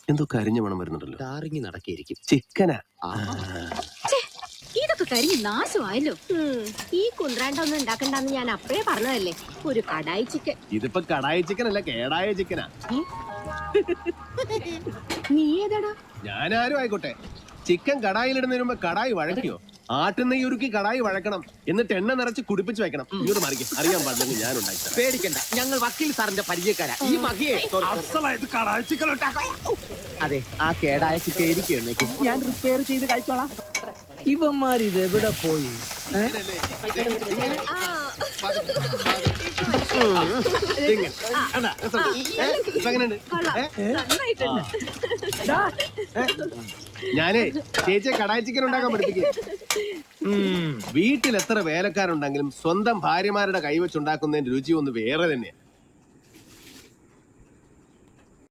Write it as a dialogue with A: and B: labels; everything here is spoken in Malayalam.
A: എന്തോ കരിഞ്ഞ മണം വരുന്നുണ്ടല്ലോ.
B: ടാറിങ്ങി നടക്കിയിരിക്കും.
A: ചിക്കനാ.
C: ഇതൊക്കെ കരിഞ്ഞ് നാശമായല്ലോ.
D: ഈ കുന്ത്രാണ്ടൊന്നും ഉണ്ടാക്കണ്ടെന്ന് ഞാൻ അപ്പഴേ പറഞ്ഞതല്ലേ. ഒരു കടായി ചിക്കൻ.
A: ഇതിപ്പോ കടായി ചിക്കൻ അല്ല, കേടായ ചിക്കനാ.
D: നീ ഏതാടാ?
A: ഞാനാരും ആയിക്കോട്ടെ, ചിക്കൻ കടായിലിടുന്നതിന് മുമ്പ് കടായി വഴക്കിയോ? ആട്ടുന്നെയ്യ് ഉരുക്കി കടായി വഴക്കണം, എന്നിട്ട് എണ്ണ നിറച്ച് കുടിപ്പിച്ച് വെക്കണം. ഇങ്ങോട്ട് മറിക്കും. അറിയാൻ പാടില്ലെങ്കിൽ ഞാൻ ഉണ്ടാക്കി.
B: പേടിക്കണ്ട, ഞങ്ങൾ വക്കീൽ സാറിന്റെ പരിചയക്കാരാ. ഈ മകിയെ അതെ, ആ കേടായ ചിക്കൻ ഇരിക്കും, ഞാൻ റിപ്പയർ ചെയ്ത് കഴിച്ചോളാം. ഇവന്മാർ ഇത് എവിടെ പോയി?
A: ഞാനേ ചേച്ചിയെ കടായി ചിക്കൻ ഉണ്ടാക്കാൻ പഠിപ്പിക്കും. വീട്ടിൽ എത്ര വേലക്കാരുണ്ടെങ്കിലും സ്വന്തം ഭാര്യമാരുടെ കൈവച്ചുണ്ടാക്കുന്നതിന്റെ രുചി ഒന്ന് വേറെ തന്നെയാ.